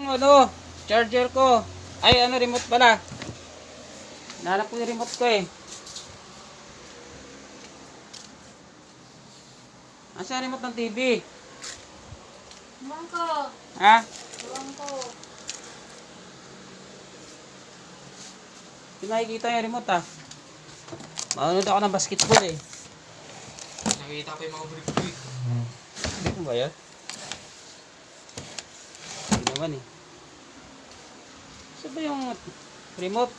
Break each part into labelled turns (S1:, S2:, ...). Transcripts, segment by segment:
S1: yung ano, charger ko. Ay, ano, remote pala. Nahanap ko yung remote ko eh. Asa yung remote ng TV?
S2: Ewan ko.
S1: Ha?
S2: Ewan ko.
S1: Hindi nakikita yung remote ah. Manonood ako ng basketball eh.
S3: Nakikita ko yung mga brick-brick.
S1: Ano ba yan? Hindi naman eh. Saan ba yung remote?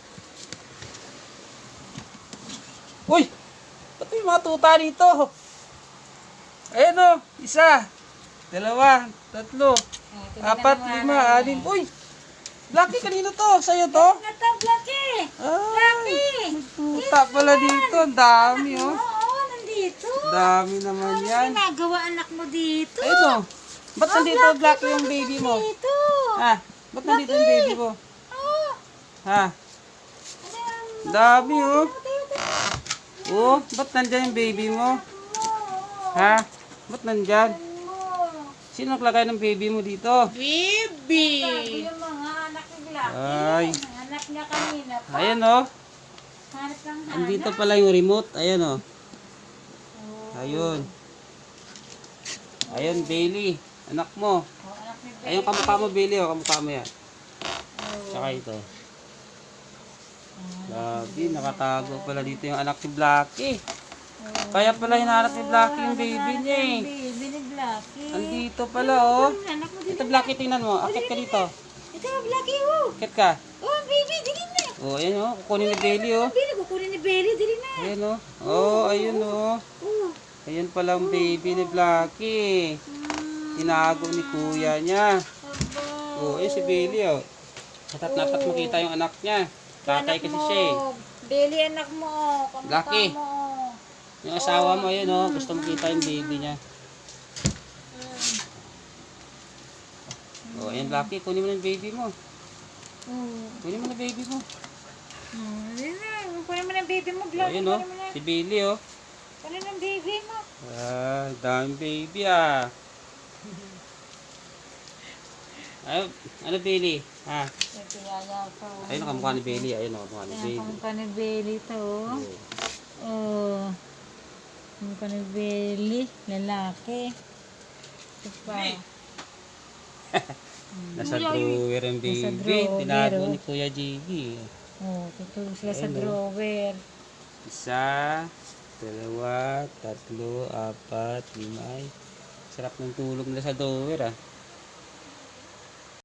S1: Uy! Ba't may mga tuta dito? Ayan o, isa, dalawa, tatlo, apat, lima, anim. Uy! Blackie, kanino to? Sa'yo to?
S2: Nata, Blackie!
S1: Ay, may tuta pala dito. Ang dami oh.
S2: Oo, nandito.
S1: Dami naman yan.
S2: Ginagawa anak mo dito.
S1: Ayun o. Ba't nandito Blackie yung baby mo?
S2: Dito.
S1: Ha? Ba't nandito yung baby mo?
S2: Oo.
S1: Ha?
S2: Ano yan?
S1: Dami oh.
S2: Tayo.
S1: Oh, ba't nandyan yung baby mo? Ha? Ba't nandyan? Sino naglagay ng baby mo dito?
S2: Baby! Sabi yung mga anak ni Blackie.
S1: Ay.
S2: Hanap niya kanina pa.
S1: Ayan oh.
S2: Hanap ng hanap.
S1: Andito pala yung remote. Ayan oh. Ayun. Ayun, Bailey. Anak mo.
S2: Oh, anak ni Baby.
S1: Ayun, kamukha mo, Bailey. Oh, kamukha mo yan. Tsaka ito. Grabe, nakatago pala dito yung anak ni Blackie. Kaya pala hinahanap ni Blackie yung baby niya eh.
S2: Baby ni Blackie.
S1: Andito pala oh.
S2: Anak mo din.
S1: Ito Blackie, tingnan mo. Akit ka dito.
S2: Ito Blackie, oh.
S1: Akit ka.
S2: Oh, baby, dili na.
S1: Oh, ayan oh. Kukunin ni Bailey oh.
S2: Baby, kukunin ni Bailey, dili na.
S1: Ayan oh. Oh, ayun oh.
S2: Oh.
S1: Ayan pala ang baby ni Blackie. Tinago ni kuya niya. Oh, ayun si Bailey oh. Natat makita yung anak niya. Tatay kasi siya eh.
S2: Bailey, anak mo. Kamukha
S1: Blackie.
S2: mo.
S1: Yung asawa mo, ayun oh. Gusto makita yung baby niya. Oh, ayan Blackie. Kunin mo na yung baby mo. Kunin mo na baby mo.
S2: Kunin mo na yung baby mo,
S1: Oh,
S2: Blackie.
S1: ayun oh. Si Bailey oh.
S2: Kunin ang baby mo.
S1: Ah, daming baby ah. Ano Bailey? Ha? Ayun ang kamukha ni Bailey. Ayun ang kamukha ni
S2: Ayan,
S1: Bailey.
S2: kamukha ni Bailey to.
S1: Oh.
S2: Oh. Kamukha ni Bailey. Lalaki. Ito pa.
S1: Nasa drawer ang baby.
S2: Nasa drawer,
S1: Tinago
S2: oh.
S1: ni Kuya Jiggy.
S2: Oh, tutulog sila sa
S1: Ayan, oh.
S2: drawer.
S1: Isa, dalawa, tatlo, apat, lima. Ay, sarap ng tulog nila sa drawer ah.